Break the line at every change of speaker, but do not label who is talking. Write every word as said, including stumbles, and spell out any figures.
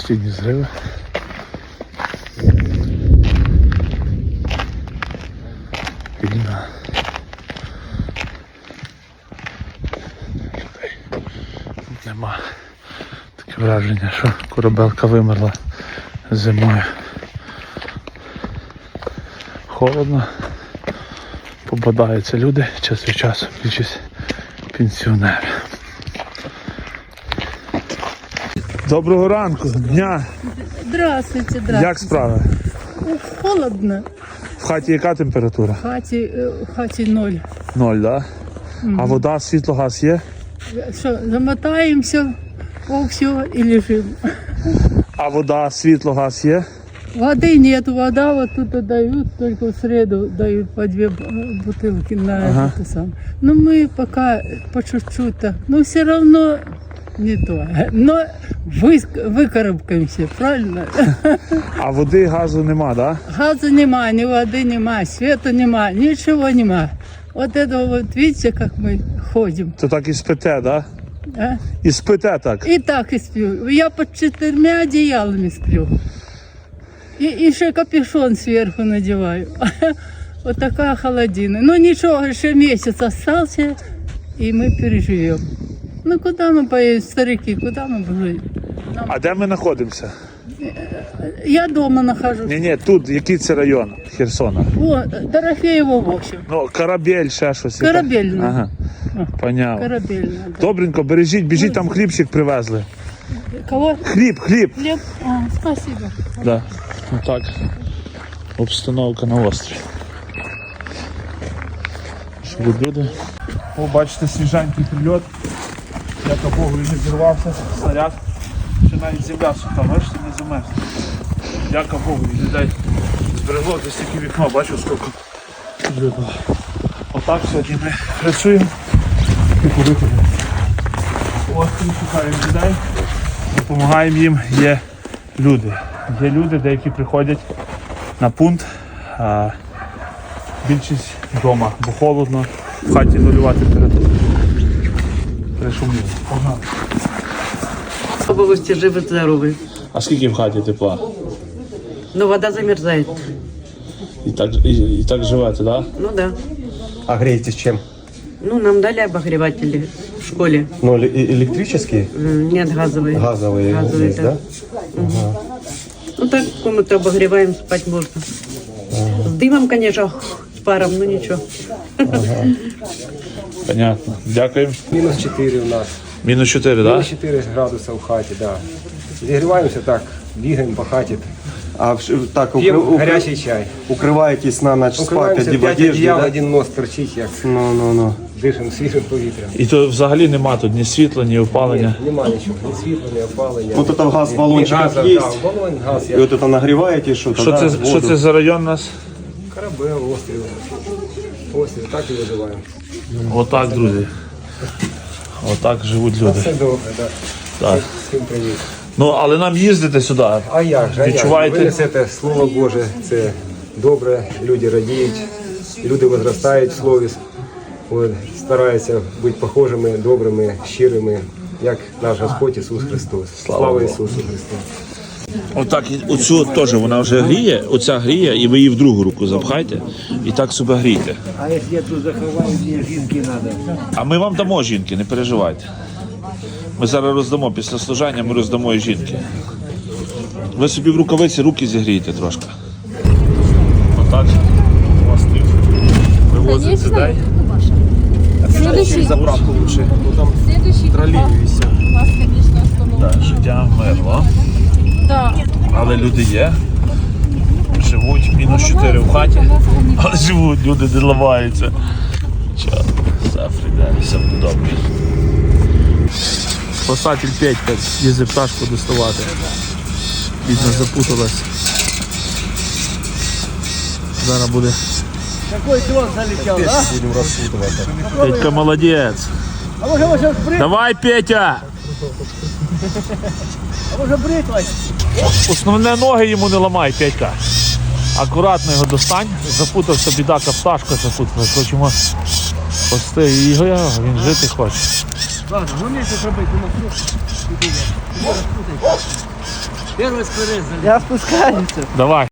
постійні зриви. Війна. Людей нема. Таке враження, що корабелка вимерла зимою. Холодно. Попадаються люди час від часу, більшість пенсіонери. Доброго ранку, дня.
Здравствуйте, здравствуйте.
Як справи?
Холодно.
В хаті яка температура?
В хаті, е, в хаті ноль.
Ноль, так? Да?
Мгм.
А вода, світло, газ є?
Що, замотаємося о все і лежимо.
А вода, світло, газ є?
Воды нет, вода вот тут дают, только в среду дают по две б- бутылки на
Ага.
это сам. Но мы пока по чуть-чуть так, но все равно не то. Но вы, выкарабкаемся, правильно?
А води, газу нема, так? Да?
Газа нема, ни воды нема, света нема, ничего нема. Вот это вот, видите, как мы ходим.
То так і спите, так? Да?
А?
І спите так.
И так и сплю. Я под четырьмя одеялами сплю. И еще капюшон сверху надеваю. Вот такая холодина. Ну ничего, еще месяц остался, и мы переживем. Ну куда мы поедем, старики, куда мы будем? Нам-
А де ми знаходимося?
Я дома нахожусь.
Ні, ні, тут, який це район Херсона?
О, Дорофеево, в общем.
Ну, корабель, ще щось. яка-
Корабельна.
Ага, понятно.
Корабельная. Да.
Добренько, бережіть, біжіть, там хлібчик привезли.
Кого?
Хліб, хліб.
Хлеб? А, спасибо.
Да. Ну так, обстановка на острові. Живуть люди. О, бачите, свіженький прильот. Яка Богу він не зірвався, снаряд. Ще навіть земля суха, бачите, не замерзла. Дяка Богу, і людей зберегло десь таке вікно, бачу, скільки прильоту. Отак сьогодні ми працюємо і по виходу. Ось тут шукаємо людей, допомагаємо їм, є люди. Є люди, деякі приходять на пункт, а більшість вдома, бо холодно, в хаті нульова температура. Пришуміло. Погнали.
Области живы здоровы.
А скільки в хаті тепла?
Но вода замерзает.
І так, і, і так живете, так? Да?
Ну да.
А греетесь чем?
Ну, нам дали обогреватели в школе.
Ну, эле- электрические?
М, Нет, газовые.
Газовые,
Газовые,
есть,
да.
да?
Ну так, комнату обогреваем, спать можно. С дымом, конечно, с паром, но ничего.
Понятно. Дякуємо.
Мінус чотири у нас.
Мінус чотири, так?
Мінус чотири градуса в хаті, да. Зігріваємося так, бігаємо по хаті,
А в- так,
п'ємо
укры- укры-
гарячий чай.
укрываетесь на ночь спать,
Укриваємося,
оди- в
п'ять
одежде,
одіял,
да?
один нос торчить, як
Ну, ну, ну.
дишимо свіжим повітрям.
І то взагалі нема тут ні світла, ні опалення.
Нема нічого, ні світла, ні опалення.
Вот это газ в
ні
баллончиках
газу,
есть.
да, балон, газ,
И
як
вот это нагреваете что-то,
Що
да,
це,
воду.
що це за район у нас?
корабель, острів. Острів, так і виживаємо.
Отак, друзі. Отак живуть люди.
Все добре, так.
Так.
Всім привіт.
Ну, але нам їздити сюди.
А як же, а як же?
Відчуваєте?
Ви несете Слово Боже, це добре, люди радіють, люди возростають в слові, от, стараються бути похожими, добрими, щирими, як наш Господь Ісус Христос. Слава,
Богу.
Ісусу Христу!
Отак, і оцю теж вона вже гріє, оця гріє, і ви її в другу руку запхайте, і так себе грійте.
А якщо я тут заховаю, мені жінки треба.
А ми вам дамо жінки, не переживайте. Ми зараз роздамо, після служання ми роздамо і жінки. Ви собі в рукавиці руки зігрієте трошки. Отак, острів. Вивозить людей.
Следующий,
Заправку лучше.
следующий вас, конечно, остановит.
Так, життя вмерло.
Да.
Але люди є. Живуть мінус чотири в хаті. Але живуть, люди не ламаються. Що, все, прийде, все буде добре. Спасатель Петька їздив пташку доставати. Бідно запуталась. Зараз буде.
Какой дрон залетел, да?
Будем распутывать.
Петька молодець.
А може може брит,
Давай, Петя!
а може бритвою?
Основне ноги йому не ламай, Петька. Акуратно його достань. Запутався бідака, пташка запуталась. Хочемо спасти його, він жити хоче.
Ладно, ну місяць робити, ну все. Первый скверез залетел. Я спускаюся.
Давай.